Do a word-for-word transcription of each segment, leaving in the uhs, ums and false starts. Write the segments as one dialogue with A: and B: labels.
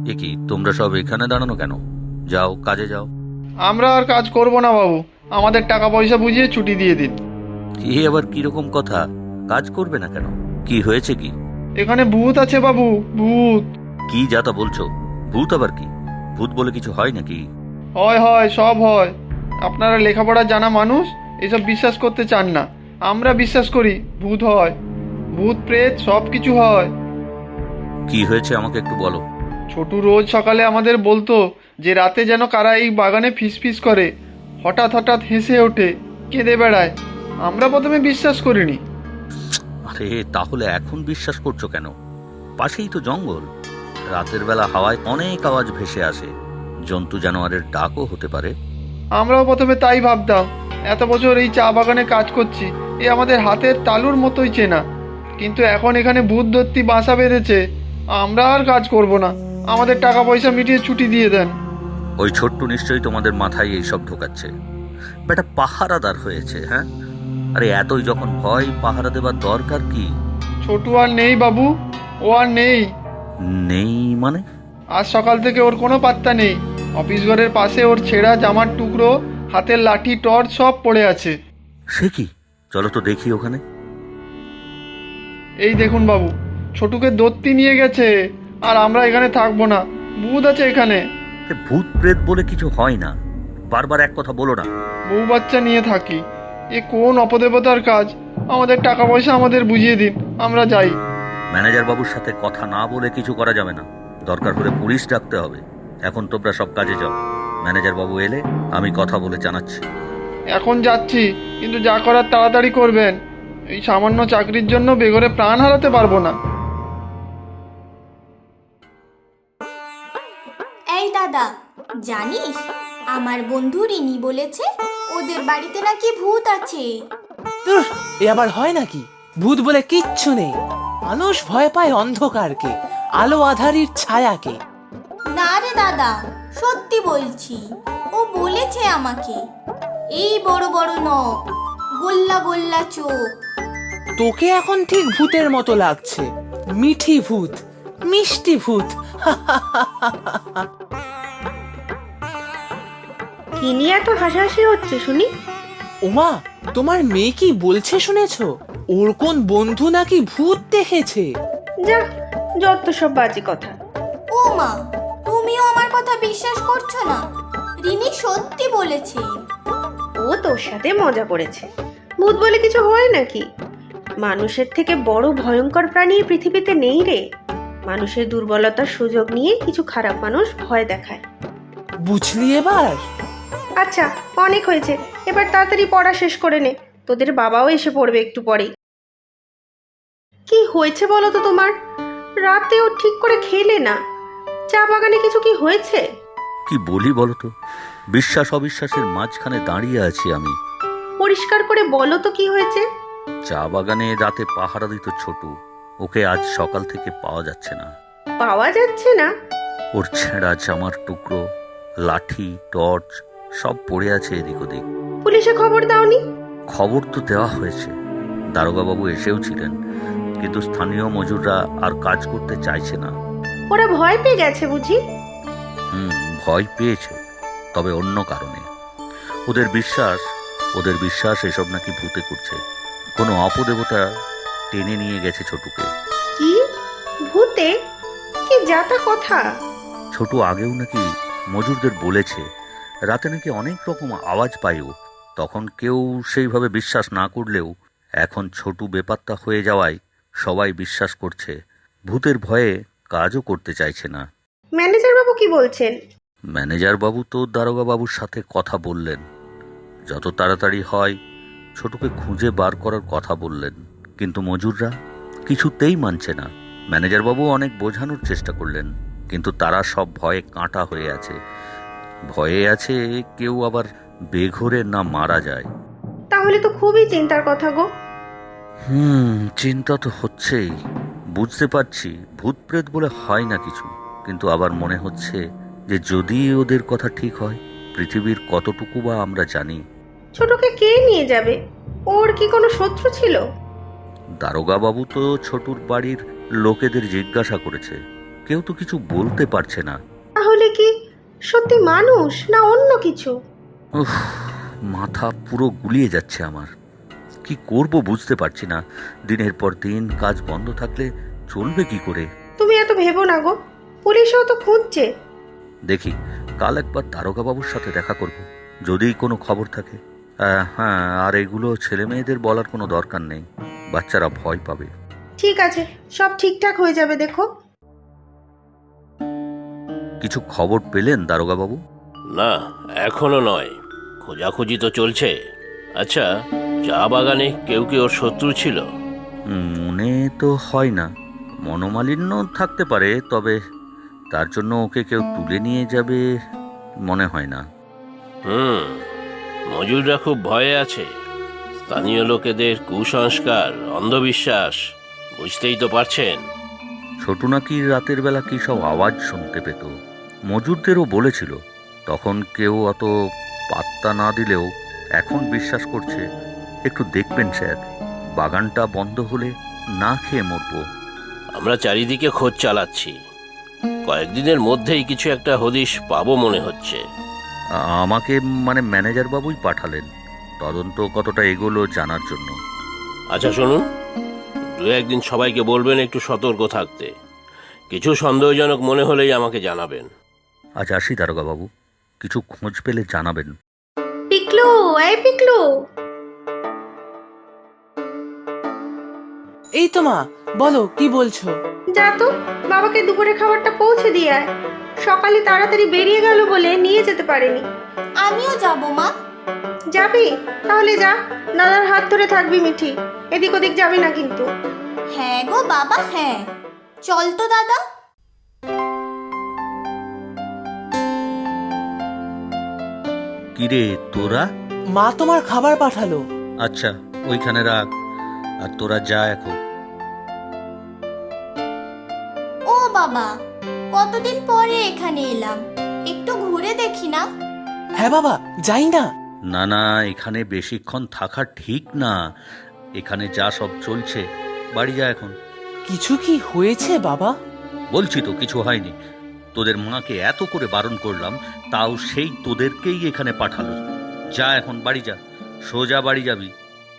A: এ কি, তোমরা সব এখানে দাঁড়ানো কেন? যাও, কাজে যাও।
B: আমরা আর কাজ করব না বাবু, আমাদের টাকা পয়সা বুঝিয়ে ছুটি দিয়ে দিন।
A: এ আবার কিরকম কথা? কাজ করবে না কেন? কি হয়েছে কি?
B: এখানে ভূত আছে বাবু, ভূত।
A: কি যাতা বলছো? ভূত আবার কি? ভূত বলে কিছু হয় নাকি?
B: হয় হয়, সব হয়। আপনারা লেখাপড়া জানা মানুষ, এসব বিশ্বাস করতে চান না। আমরা বিশ্বাস করি ভূত হয়, ভূত প্রেত সব কিছু হয়।
A: কি হয়েছে আমাকে একটু বলো।
B: ছোটু রোজ সকালে আমাদের বলতো যে রাতে যেন কারা এই বাগানে ফিসফিস করে, হঠাৎ হঠাৎ হেসে ওঠে, কেঁদে বেড়ায়। আমরা প্রথমে বিশ্বাস করিনি।
A: আরে তাহলে এখন বিশ্বাস করছো কেন? পাশেই তো জঙ্গল। রাতের বেলা হাওয়ায় অনেক আওয়াজ ভেসে আসে, জন্তু জানোয়ারের ডাকও হতে পারে।
B: আমরাও প্রথমে তাই ভাবতাম। এত বছর এই চা বাগানে কাজ করছি, এ আমাদের হাতের তালুর মতোই চেনা। কিন্তু এখন এখানে ভূত দত্তি বাসা বেঁধেছে। আমরা আর কাজ করব না, আমাদের টাকা পয়সা মিটিয়ে ছুটি দিয়ে দেন।
A: ওই ছোট্ট নিশ্চয়ই তোমাদের মাথায় এইসব ঢোকাচ্ছে। বেটা পাহারাদার হয়েছে, হ্যাঁ? আরে এতই যখন ভয়, পাহারা দেবার দরকার কি?
B: ছোটু আর নেই বাবু, ও আর নেই।
A: নেই মানে?
B: আজ সকাল থেকে ওর কোনো পাত্তা নেই। অফিস ঘরের পাশে ওর ছেঁড়া জামার টুকরো, হাতের লাঠি, টর্চ সব পড়ে আছে।
A: সে কি? চলো তো দেখি ওখানে।
B: এই দেখুন বাবু, ছোটুকে দত্তি নিয়ে গেছে। আর আমরা এখানে থাকবো না, ভূত আছে এখানে।
A: এ ভূত প্রেত বলে কিছু হয় না, বারবার এক কথা বলো না।
B: বউ বাচ্চা নিয়ে থাকি, এ কোন অপদেবতার কাজ? আমাদের টাকা পয়সা আমাদের বুঝিয়ে দিন, আমরা যাই।
A: ম্যানেজার বাবুর সাথে কথা না বলে কিছু করা যাবে না, দরকার হলে পুলিশ ডাকতে হবে। এখন তোমরা সব কাজে যাও, ম্যানেজার বাবু এলে আমি কথা বলে জানাচ্ছি।
B: এখন যাচ্ছি, কিন্তু যা করার তাড়াতাড়ি করবেন। এই সামান্য চাকরির জন্য বেঘরে প্রাণ হারাতে পারবো না।
C: এই দাদা, জানিস আমার বন্ধু রিনি বলেছে ওদের বাড়িতে নাকি ভূত আছে।
D: ধুর, এ আবার হয় নাকি? ভূত বলে কিচ্ছু নেই। মানুষ ভয় পায় অন্ধকারকে, আলো আধারির ছায়াকে।
C: না রে দাদা, সত্যি বলছি। ও বলেছে আমাকে, এই বড় বড় নখ, গোল্লা গোল্লা চোখ।
D: তোকে এখন ঠিক ভূতের মতো লাগছে। মিঠি ভূত, মিষ্টি ভূত।
E: কি নিয়ে এত হাসাহাসি হচ্ছে শুনি?
D: ওমা, তোমার মেয়ে কি বলছে শুনেছো? ওর কোন বন্ধু নাকি ভূত দেখেছে।
E: যা, যত সব বাজে কথা।
C: ও মা, তুমিও আমার কথা বিশ্বাস করছো না? রিনি সত্যি বলেছে।
E: ও তোর সাথে মজা করেছে। ভূত বলে কিছু হয় নাকি? মানুষের থেকে বড় ভয়ঙ্কর প্রাণী এই পৃথিবীতে নেই রে। মানুষের দুর্বলতার সুযোগ নিয়ে কিছু খারাপ মানুষ ভয় দেখায়।
D: বুঝলি এবার?
E: আচ্ছা, অনেক হয়েছে, এবার তাড়াতাড়ি পড়া শেষ করে নে। তোদের বাবাও এসে পড়বে একটু পরেই। কি হয়েছে বলো তো তোমার? রাতেও ঠিক করে খেলে না। চা বাগানে কিছু কি হয়েছে?
A: কি বলি বলো তো, বিশ্বাস অবিশ্বাসের মাঝখানে দাঁড়িয়ে আছি আমি।
E: পরিষ্কার করে বলো তো কি হয়েছে।
A: চা বাগানে রাতে পাহারা দিত ছোটু, ওকে আজ সকাল থেকে পাওয়া যাচ্ছে না।
E: পাওয়া যাচ্ছে না?
A: ওর ছেঁড়া জামার টুকরো, লাঠি, টর্চ সব পড়ে আছে এদিক ওদিক।
E: পুলিশে খবর দাওনি?
A: খবর তো দেওয়া হয়েছে, দারোগা বাবু এসেও ছিলেন, কিন্তু স্থানীয় মজুররা আর কাজ করতে চাইছে না।
E: ওরা ভয় পেয়ে গেছে বুঝি?
A: হুম, ভয় পেয়েছে, তবে অন্য কারণে। ওদের বিশ্বাস ওদের বিশ্বাস এসব নাকি ভূতে করছে। কোনো অপদেবতা টেনে নিয়ে গেছে ছোটুকে।
E: কি? ভূতে? কি যাতা কথা!
A: ছোটু আগেও নাকি মজুরদের বলেছে রাতে নাকি অনেক রকম আওয়াজ পায় ও। তখন কেউ সেইভাবে বিশ্বাস না করলেও এখন ছোটু বেপাত্তা হয়ে যাওয়ায় সবাই বিশ্বাস করছে। ভূতের ভয়ে কাজও করতে চাইছে না।
E: ম্যানেজার বাবু কি বলছেন?
A: ম্যানেজার বাবু তো দারোগা বাবুর সাথে কথা বললেন, যত তাড়াতাড়ি হয় ছোটুকে খুঁজে বার করার কথা বললেন, কিন্তু মজুররা কিছুতেই মানছে না। ম্যানেজার বাবু অনেক বোঝানোর চেষ্টা করলেন, কিন্তু তারা সব ভয়ে কাঁটা হয়ে আছে। ভয়ে আছে কেউ আবার বেঘরে না মারা যায়।
E: তাহলে তো খুবই চিন্তার কথা গো।
A: হুম, চিন্তা তো হচ্ছেই। বুঝতে পারছি ভূত প্রেত বলে হয় না কিছু, কিন্তু আবার মনে হচ্ছে যে যদি ওদের কথা ঠিক হয়, পৃথিবীর কতটুকু বা আমরা জানি।
E: ছোটকে কে নিয়ে যাবে? ওর কি কোনো শত্রু ছিল?
A: দারোগা বাবু তো ছোটুর বাড়ির লোকেদের জিজ্ঞাসা করেছে, কেউ তো কিছু বলতে পারছে না।
E: তাহলে কি সত্যি মানুষ না অন্য কিছু?
A: উফ, মাথা পুরো গুলিয়ে যাচ্ছে আমার। কি করব বুঝতে পারছি না। দিনের পর দিন কাজ বন্ধ থাকলে চলবে কি করে?
E: তুমি এত ভেবো না গো, পুলিশও তো খুঁজছে।
A: দেখি, কাল একবার দারোগা বাবুর সাথে দেখা করব, যদি কোনো খবর থাকে। আহ, হ্যাঁ, আর এগুলো ছেলে মেয়েদের বলার কোনো দরকার নেই, বাচ্চারা ভয় পাবে।
E: ঠিক আছে, সব ঠিকঠাক হয়ে যাবে দেখো।
A: কিছু খবর পেলেন দারোগা বাবু?
F: না, এখনো নয়, খোঁজাখুঁজি তো চলছে। আচ্ছা, চা বাগানে কেউ কি ওর শত্রু ছিল?
A: উম, মনে তো হয় না। মনোমালিন্য থাকতে পারে, তবে তার জন্য ওকে কেউ তুলে নিয়ে যাবে মনে হয় না।
F: হুম, মজুররা খুব ভয়ে আছে। স্থানীয় লোকেদের কুসংস্কার, অন্ধবিশ্বাস, বুঝতেই তো পারছেন।
A: ছোট নাকি রাতের বেলা কি সব আওয়াজ শুনতে পেত, মজুরদেরও বলেছিল। তখন কেউ অত পাত্তা না দিলেও এখন বিশ্বাস করছে। একটু দেখবেন স্যার, বাগানটা বন্ধ হলে না খেয়ে মরবো।
F: আমরা চারিদিকে খোঁজ চালাচ্ছি, কয়েকদিনের মধ্যেই কিছু একটা হদিশ পাবো মনে হচ্ছে।
A: আ- আমাকে মানে ম্যানেজার বাবুই পাঠালেন তদন্ত কতটা এগোলো জানার জন্য।
F: আচ্ছা শুনুন, দু একদিন সবাইকে বলবেন একটু সতর্ক থাকতে। কিছু সন্দেহজনক মনে হলেই আমাকে জানাবেন।
A: আজ আসি দারোগা বাবু, কিছু খোঁজ পেলে জানাবেন।
E: পিকলু, এই পিকলু।
D: এই তো মা, বলো কি বলছো?
E: যা তো, বাবাকে দুপুরে খাবারটা পৌঁছে দিয়ে আয়। সকালে তাড়াতাড়ি বেরিয়ে গেল বলে নিয়ে যেতে পারেনি।
C: আমিও যাব মা।
E: যাবি? তাহলে যা, দাদার হাত ধরে থাকবি মিঠি, এদিক ওদিক যাবি না কিন্তু।
C: হ্যাঁ গো বাবা, হ্যাঁ। চল তো দাদা।
A: কিরে তোরা?
D: মা তোমার খাবার পাঠালো।
A: আচ্ছা, ওইখানে রাখ, আর তোরা যা এখন।
C: ও বাবা, কতদিন পরে এখানে এলাম, একটু ঘুরে দেখি না?
D: হ্যাঁ বাবা, যাই না।
A: না না, এখানে বেশিক্ষণ থাকা ঠিক না। এখানে যা সব চলছে, বাড়ি যা এখন।
D: কিছু কি হয়েছে বাবা?
A: বলছি তো কিছু হয়নি। তোদের মাকে এত করে বারণ করলাম, তাও সেই তোদেরকেই এখানে পাঠালো। যা এখন বাড়ি যা, সোজা বাড়ি যাবি।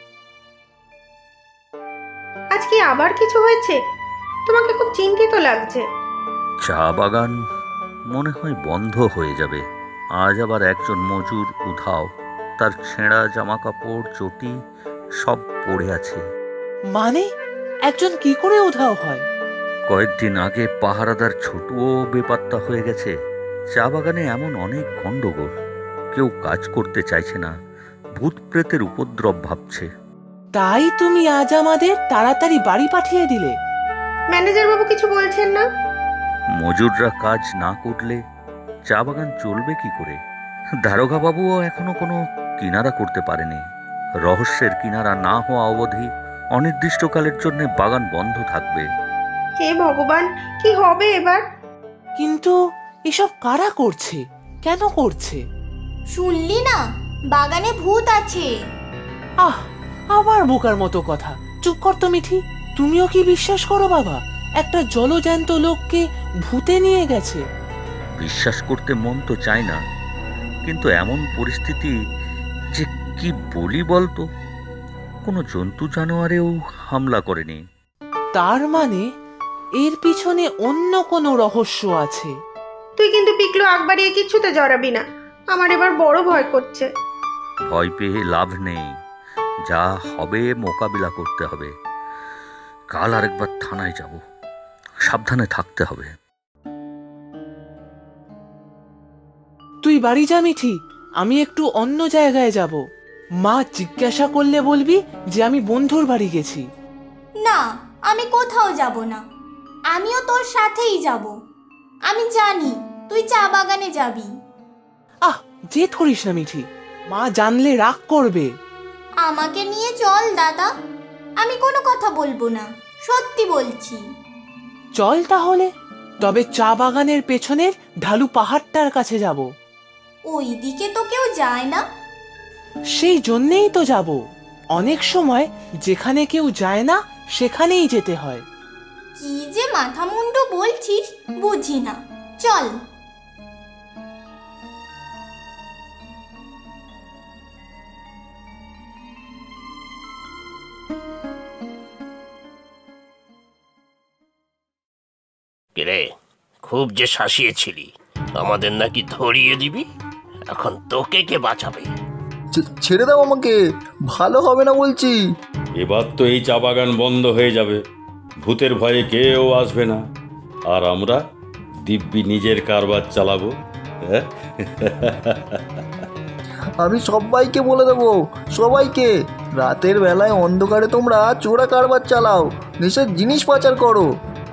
E: আজ কি আবার কিছু হয়েছে? তোমাকে খুব চিন্তিত লাগছে।
A: চা বাগান মনে হয় বন্ধ হয়ে যাবে। আজ আবার একজন মজুর উধাও, তার ছেঁড়া জামা কাপড় চটি সব পড়ে আছে।
D: মানে একজন কি করে উধাও হয়?
A: কয়েকদিন আগে পাহারাদার ছোটুও বেপাত্তা হয়ে গেছে। চা বাগানে এমন অনেক গন্ডগোল, কেউ কাজ করতে চাইছে না, ভূত প্রেতের উপদ্রব ভাবছে।
D: তাই তুমি আজ আমাদের তাড়াতাড়ি বাড়ি পাঠিয়ে দিলে?
E: ম্যানেজার বাবু কিছু বলছেন না?
A: মজুররা কাজ না করলে চা বাগান চলবে কি করে? দারোগা বাবুও এখনো কোনো কিনারা করতে পারেনি। রহস্যের কিনারা না হওয়া অবধি অনির্দিষ্টকালের জন্য বাগান বন্ধ থাকবে।
E: হে ভগবান, কি হবে এবার?
D: কিন্তু এসব কারা করছে, কেন করছে?
C: শুনলি না, বাগানে ভূত আছে।
D: আহ, আবার বোকার মতো কথা। চুপ কর তো মিঠি, তুমিও কি বিশ্বাস করো বাবা একটা জলজ্যান্ত লোককে ভূতে নিয়ে গেছে?
A: বিশ্বাস করতে মন তো চায় না, কিন্তু এমন পরিস্থিতি যে কি বলি বলতো। কোনো জন্তু জানোয়ারেও হামলা করেনি।
D: তার মানে এর পিছনে অন্য কোনো রহস্য আছে।
E: তুই কিন্তু পিকলু আগ বাড়িয়ে কিচ্ছুতে জড়াবি না, আমার এবার বড় ভয় করছে।
A: ভয় পেয়ে লাভ নেই, যা হবে মোকাবিলা করতে হবে। কাল আরেকবার থানায় যাব, সাবধানে থাকতে হবে।
D: তুই বাড়ি যা মিঠি, আমি একটু অন্য জায়গায় যাব। মা জিজ্ঞাসা করলে বলবি যে আমি বন্ধুর বাড়ি গেছি।
C: না, আমি কোথাও যাব না, আমিও তোর সাথেই যাব। আমি জানি তুই চা বাগানে যাবি।
D: আহ, যে ধরিস না মিঠি, মা জানলে রাগ করবে।
C: আমাকে নিয়ে চল দাদা, আমি কোনো কথা বলবো না, সত্যি বলছি।
D: চল তাহলে, তবে চা বাগানের পেছনের ঢালু পাহাড়টার কাছে যাব।
C: ওই দিকে তো কেউ যায় না।
D: সেই জন্যেই তো যাব। অনেক সময় যেখানে কেউ যায় না সেখানেই যেতে হয়।
C: কি যে মাথা মুন্ডু বলছিস বুঝি না, চল।
F: কিরে, খুব যে শাসিয়েছিলি আমাদের নাকি ধরিয়ে দিবি, এখন তোকে কে বাঁচাবে?
G: ছে- ছেড়ে দাও আমাকে, ভালো হবে না বলছি।
H: এবার তো এই চা বাগান বন্ধ হয়ে যাবে, ভূতের ভয়ে কেউ আসবে না, আর আমরা দিব্যি নিজের কারবার চালাবো। হ্যাঁ,
G: আমি সবাইকে বলে দেবো, সবাইকে, রাতের বেলায় অন্ধকারে তোমরা চোরা কারবার চালাও, নেশার জিনিস পাচার করো।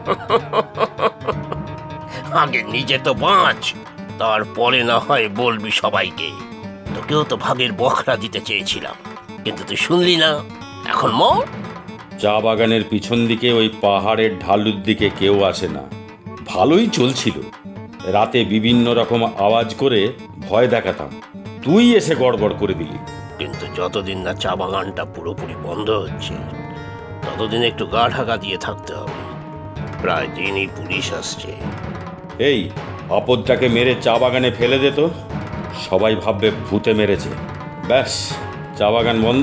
F: আগে নিজে তো বাঁচ, তারপরে না হয় বলবি সবাইকে। তোকেও তো ভাগের বখরা দিতে চেয়েছিলাম, কিন্তু তুই শুনলি না, এখন মর।
H: চা বাগানের পিছন দিকে ওই পাহাড়ের ঢালুর দিকে কেউ আসে না, ভালোই চলছিল। রাতে বিভিন্ন রকম আওয়াজ করে ভয় দেখাতাম, তুই এসে গড়বড় করে দিলি।
F: কিন্তু যতদিন না চা বাগানটা পুরোপুরি বন্ধ হচ্ছে, ততদিন একটু গা ঢাকা দিয়ে থাকতে হবে। প্রায় দিনই পুলিশ আসছে।
H: এই আপদটাকে মেরে চা বাগানে ফেলে দে তো, সবাই ভাববে ভূতে মেরেছে। ব্যাস, চা বাগান বন্ধ।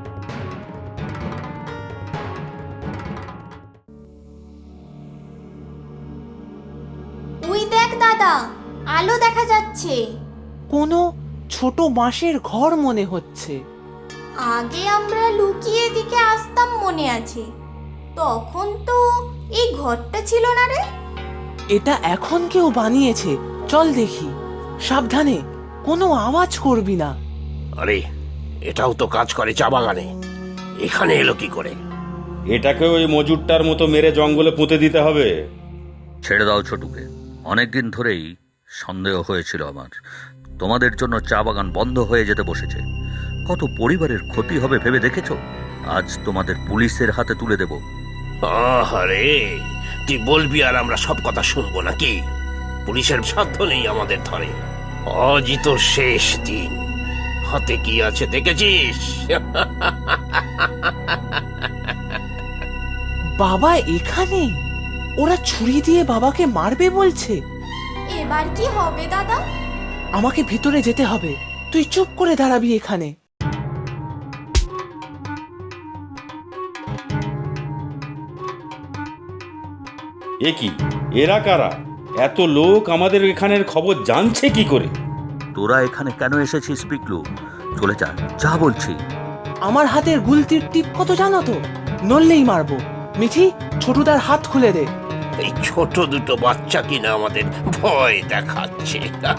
C: ওই দেখ দাদা, আলো দেখা যাচ্ছে।
D: কোনো ছোট বাঁশের ঘর মনে হচ্ছে।
C: আগে আমরা লুকিয়ে দিকে আসতাম মনে আছে, তখন তো এই ঘরটা ছিল না রে।
D: এটা এখন কেউ বানিয়েছে, চল দেখি। সাবধানে, কোনো আওয়াজ করবি না।
F: আরে, এটাও তো কাজ করে চা বাগানে, এখানে এলো কি করে?
H: এটাকে ওই মজুরটার মতো মেরে জঙ্গলে পুঁতে দিতে হবে।
A: ছেড়ে দাও ছোটুকে, অনেকদিন ধরেই সন্দেহ হয়েছিল আমার, তোমাদের জন্য চা বাগান বন্ধ হয়ে যেতে বসেছে। কত পরিবারের ক্ষতি হবে ভেবে দেখেছো? আজ তোমাদের পুলিশের হাতে তুলে দেব।
F: আরে, তুই বলবি আর আমরা সব কথা শুনবো নাকি? পুলিশের সাধ্য নেই আমাদের ধরে। আজই তোর শেষ দিন। হাতে কি আছে দেখেছিস?
D: বাবা এখানে? ওরা ছুরি দিয়ে বাবাকে মারবে বলছে।
C: এবার কি হবে দাদা?
D: আমাকে ভিতরে যেতে হবে, তুই চুপ করে দাঁড়াবি এখানে।
H: এ কি, এরা কারা? এত লোক আমাদের এখানের খবর জানছে কি করে?
A: তোরা এখানে কেন এসেছিস পিকলু? চলে যা, যা বলছি।
D: আমার হাতের গুলতির টিপ কত জানো তো? নড়লেই মারবো। মিঠি, ছোটুদার হাত খুলে দে।
F: এই ছোট দুটো বাচ্চা কিনা আমাদের ভয় দেখাচ্ছে।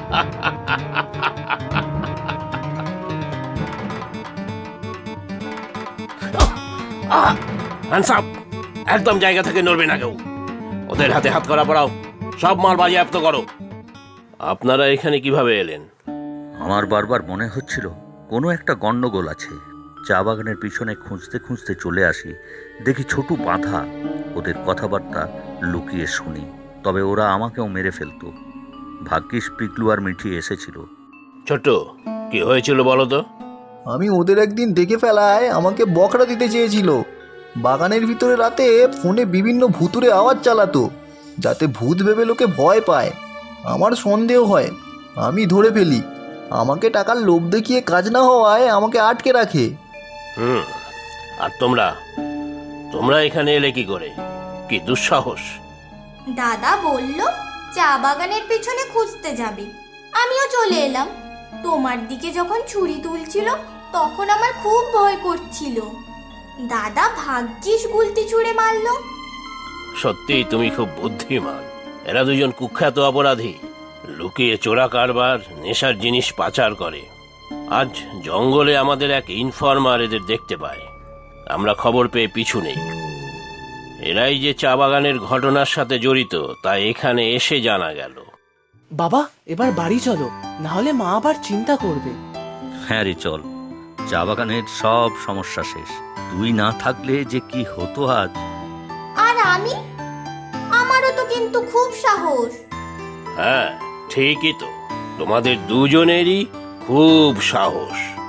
F: আহ! Hands up! একদম জায়গা থেকে নড়বে না কেউ। ওদের হাতে হাত করা পড়াও, সব মাল বাজেয়াপ্ত করো। আপনারা এখানে কিভাবে এলেন?
A: আমার বারবার মনে হচ্ছিল কোনো একটা গন্ডগোল আছে। চা বাগানের পিছনে খুঁজতে খুঁজতে চলে আসি, দেখি ছোটু বাঁধা। ওদের কথাবার্তা লুকিয়ে শুনি, তবে ওরা আমাকেও মেরে ফেলতো। ভাগ্যিস পিকলু আর মিঠি এসেছিল।
F: ছোট, কি হয়েছিল বলো তো?
G: আমি ওদের একদিন দেখে ফেলায় আমাকে বকরা দিতে চেয়েছিল। বাগানের ভিতরে রাতে ফোনে বিভিন্ন ভুতুরে আওয়াজ চালাতো, যাতে ভূত ভেবে লোকে ভয় পায়। আমার সন্দেহ হয়, আমি ধরে ফেলি। আমাকে টাকার লোভ দেখিয়ে কাজ না হওয়ায় আমাকে আটকে রাখে।
F: হুম, আর তোমরা তোমরা এখানে এলে কি করে? কি দুঃসাহস!
C: দাদা বলল চা বাগানের পেছনে খুঁজতে যাবে, আমিও চলে এলাম। তোমার দিকে যখন ছুরি তুলছিল তখন আমার খুব ভয় করছিল। দাদা ভাগ্যিস গুলতি ছুঁড়ে মারলো।
F: সত্যি তুমি খুব বুদ্ধিমান। এরা দুজন কুখ্যাত অপরাধী, লুকিয়ে চোরা কারবার, নেশার জিনিস পাচার করে। আজ জঙ্গলে আমাদের এক ইনফর্মার এদের দেখতে পায়, আমরা খবর পেয়ে পিছু নেই। এরাই যে চা বাগানের ঘটনার সাথে জড়িত তা এখানে এসে জানা গেল।
D: বাবা, এবার বাড়ি চলো, না হলে মা আবার চিন্তা করবে।
A: হ্যাঁ রে, চল। চা বাগানের সব সমস্যা শেষ। তুই না থাকলে যে কি হতো আজ।
C: আর আমি, আমারও তো কিন্তু খুব সাহস।
F: হ্যাঁ, ঠিকই তো, তোমাদের দুজনেরই খুব সাহস।